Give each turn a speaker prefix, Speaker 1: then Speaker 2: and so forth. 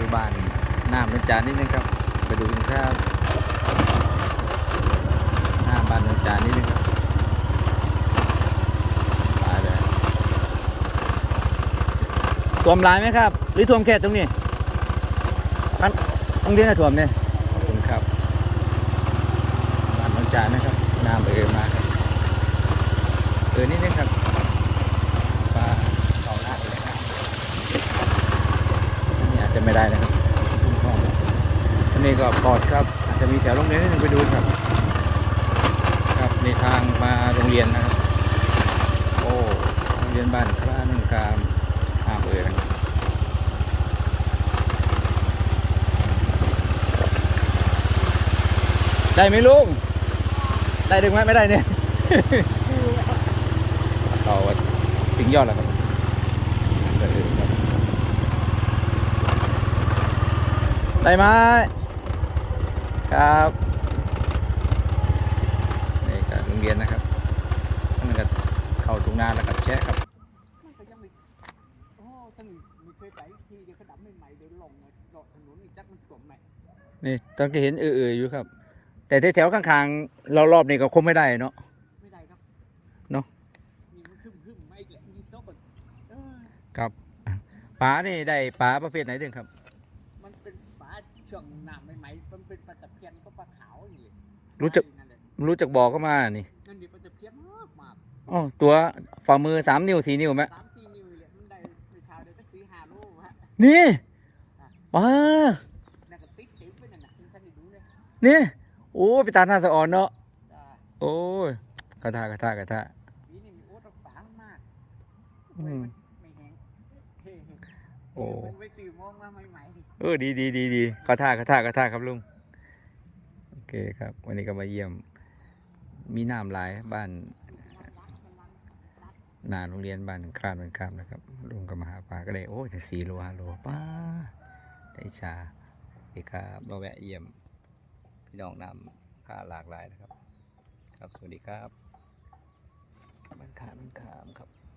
Speaker 1: บ้านน้ำนนจานนิดนึงครับไปดูกันครับหน้าบ้านนนจานนิดนึงครับตายเลยท่วมหลายไหมครับหรือท่วมแค่ตรงนี้ต้องเรียนท่วมเนี่ยขอบคุณครับบ้านนนจานนะครับน้ำมาครับนิดนึงครับปลาเขาลาดเลยครับนี่อาจจะไม่ได้นะครับทุ่งท่ออันนี้ก็ปลอดครับอาจจะมีแถวโรงเรียนนิดนึงไปดูครับครับในทางมาโรงเรียนนะครับโอ้โรงเรียนบ้านคลาหนึ่งกามนะครับได้ไหมลุงได้ดึงไหมไม่ได้เนี่ยต่อถึงยอดแล้วครับได้ไหมครับนี่ก็โรงเรียนนะครับนั่นก็เข้าทุ่งนาแล้วกับแชะครับ
Speaker 2: มันก็ยังไม่โอ้ตั้งมีเคยไปทีเดียวเขาดับใหม่ๆเดินลงเลาะถนนอีกจักมันถ่วมใหม่
Speaker 1: นี่ตอนก็เห็นอยู่ครับแต่แถวข้างๆเรารอบนี้ก็คงไม่ได้เนาะ
Speaker 2: ไม่ได้ครับ
Speaker 1: เนาะ
Speaker 2: มีมันขึ้นไม่อีกแหละมีโต๊ะก่อน
Speaker 1: ครับปลานี่ได้ปลาประเภทไหนดึงครับ
Speaker 2: มันเป็นปลาช่วงน้ำใหม่ๆมันเป็นปลาตะเพียนก็ปลาขาวนี่เลย
Speaker 1: รู้จักบอกเข้ามานี่
Speaker 2: นั่นดิปลาตะเพียนมาก
Speaker 1: อ๋อตัวฝ่ามือ3 นิ้ว4 นิ้วไหม
Speaker 2: 3-4 นิ้วเลยมันได้ในชาวเดียวก็4-5 โลฮะ
Speaker 1: นี่ปลา
Speaker 2: นั่นก็ติ๊กเต็มไปนั่นนะท่านได้ดูเลย
Speaker 1: นี่โอ้ไปตาหน้าสะอ่อนเนาะโอ้ยกระทะ
Speaker 2: นี่มีโอ๊ตปลามากไม่แห้งโอ้ไปตื่นมองมาใหม่ๆ
Speaker 1: ดีกระทะครับลุงโอเคครับวันนี้ก็มาเยี่ยมมีน้ำหลายบ้านนาโรงเรียนบ้านคลาดเป็นคำนะครับลุงก็มาหาปลาก็ได้โอ้จะ4 โล 5 โลป้าได้ชาพี่ครับมาแวะเยี่ยมพี่น้องนำค่าหลากหลายนะครับครับสวัสดีครับบ้านคลาดเป็นคำครับ